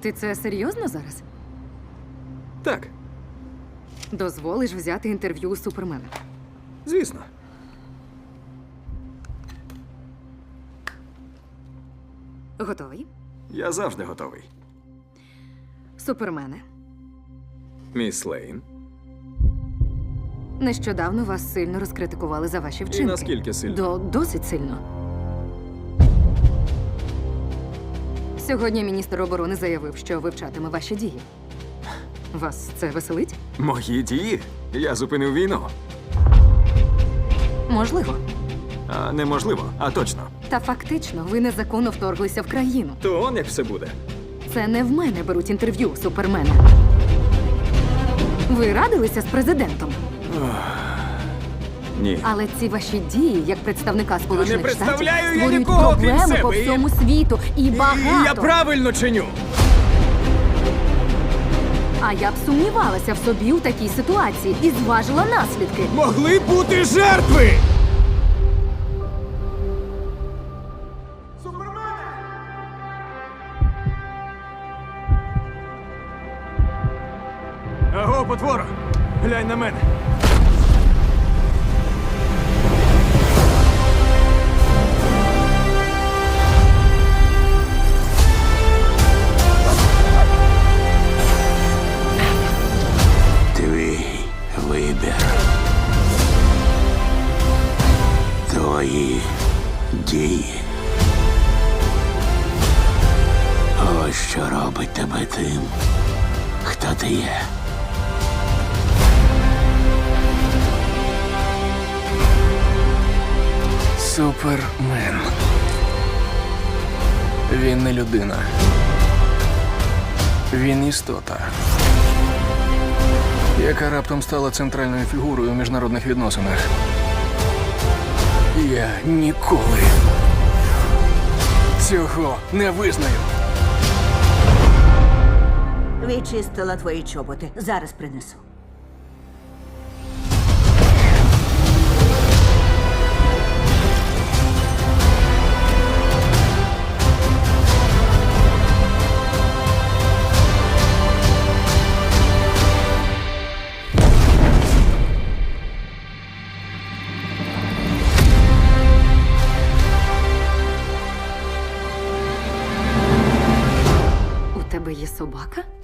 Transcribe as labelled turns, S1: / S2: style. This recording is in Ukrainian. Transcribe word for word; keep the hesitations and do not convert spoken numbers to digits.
S1: Ти це серйозно зараз?
S2: Так,
S1: Дозволиш взяти інтерв'ю у Супермена?
S2: звісно.
S1: Готовий?
S2: Я завжди готовий.
S1: Супермене.
S2: Міс Лейн.
S1: Нещодавно вас сильно розкритикували за ваші вчинки.
S2: наскільки сильно?
S1: До досить сильно. Сьогодні міністр оборони заявив, що вивчатиме ваші дії. Вас це веселить?
S2: Мої дії? Я зупинив війну.
S1: Можливо.
S2: А неможливо, а точно.
S1: Та фактично ви незаконно вторглися в країну.
S2: То он як все буде.
S1: Це не в мене беруть інтерв'ю у Супермена. Ви радилися з президентом,
S2: Ні.
S1: але ці ваші дії, як представника Сполучених Штатів,
S2: представляю я
S1: створюють
S2: нікого, крім
S1: проблеми
S2: себе,
S1: по
S2: і-
S1: всьому світу. І багато.
S2: Я правильно чиню.
S1: А я б сумнівалася в собі у такій ситуації і зважила наслідки.
S2: Могли бути жертви! Аго, потвора! Глянь на мене.
S3: Твій вибір. Твої дії. Ось що робить тебе тим, хто ти є.
S4: Супермен. Він не людина. Він істота, яка раптом стала центральною фігурою у міжнародних відносинах. Я ніколи цього не визнаю.
S5: Відчистила твої чоботи. Зараз принесу.
S1: У тебе є собака?